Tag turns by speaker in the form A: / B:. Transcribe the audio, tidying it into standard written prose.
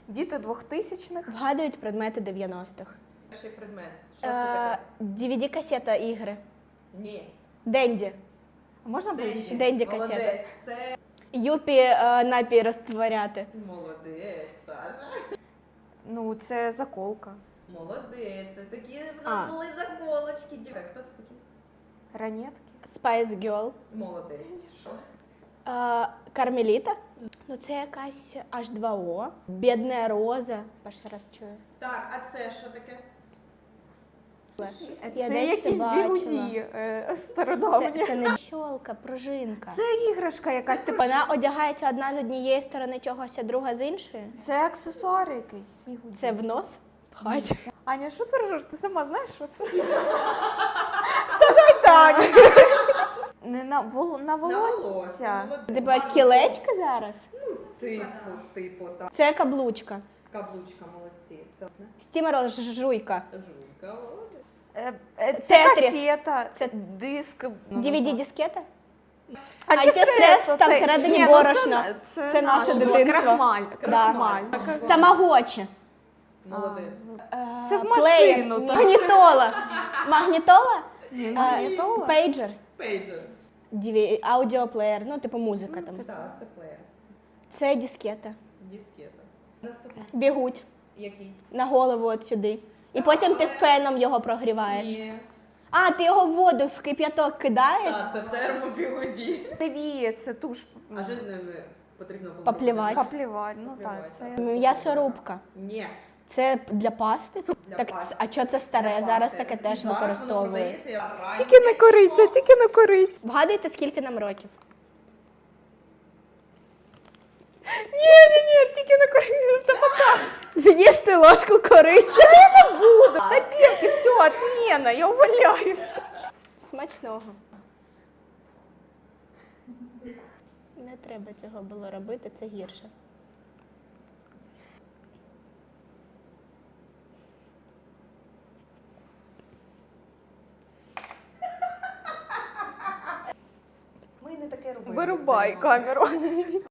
A: Діти 2000-х.
B: Вгадують предмети 90-х.
C: Перший предмет. Що це таке?
B: DVD-касета ігри.
C: Ні.
B: Денді.
A: Можна ближче?
B: Денді касета.
C: Молодець. Це
B: Юпі напій розтворяти.
C: молодець, Саша.
A: Ну, це заколка.
C: Молодець. Це такі в
B: А.
C: нас були заколочки. Так, хто це такі?
A: Ранетки.
B: Spice Girl.
C: Молодець. Що?
B: Кармеліта. Ну це якась H2O. Бідна роза. Перший раз чую.
C: Так, а це що таке?
B: Я
A: Це
B: десь
A: якісь
B: бачила.
A: бігуді стародавні.
B: Це не щолка, пружинка.
A: Це іграшка якась. Типу,
B: Вона одягається одна з однієї сторони чогось, а друга з іншої.
A: це аксесуар якийсь.
B: Це в нос пхать.
A: Аня, що ти ржеш? Ти сама знаєш, що це? Сажай Таня. Не на волосся.
C: Молодець.
B: Типа кілечка зараз?
C: Типу, так.
B: Це каблучка.
C: Каблучка, молодці. Це одне.
B: Стімерол жуйка.
C: Жуйка, молодець.
A: Це
B: Тетріс.
A: касета,
B: Це
A: диск.
B: DVD-дискета?
A: Антистрес,
B: там
A: оцей.
B: всередині
A: Ні, ну
B: борошно. Це
A: наше
B: наше
A: було.
B: дитинство.
A: Крахмаль.
B: Да. Тамагочі.
C: Молодець.
A: Це в
B: Плеєр.
A: машину. то-
B: Магнітола. Магнітола?
A: Ні, магнітола.
B: Пейджер.
C: Пейджер.
B: Аудіоплеєр, ну типу музика там.
C: Так, це плеєр.
B: Це дискета.
C: Дискета. Наступний.
B: Бігуть
C: Який?
B: на голову от сюди. І потім ти феном його прогріваєш.
C: Ні.
B: А, ти його в воду в кип'яток кидаєш?
C: Так, це термобігоді.
A: Це віє, це туш.
C: А що з ними потрібно було?
B: Поплівати.
A: Поплівати, ну так. Це...
B: М'ясорубка.
C: Ні.
B: Це для пасти?
C: Для
B: Так,
C: пасти.
B: а що це старе?
C: Для
B: Зараз
C: пасти.
B: таке теж
C: Зараз воно
B: використовують.
C: продається, я вважаю.
A: Тільки не кориця, тільки не кориця.
B: Вгадуйте, скільки нам років?
A: Ні, тільки не кориця. Та пока.
B: З'їсти ложку кориці.
A: Буду. Та дівки, все, отмена, я увольняюся.
B: Смачного. Не треба цього було робити, це гірше.
C: Ми не таке робили.
A: Вирубай камеру.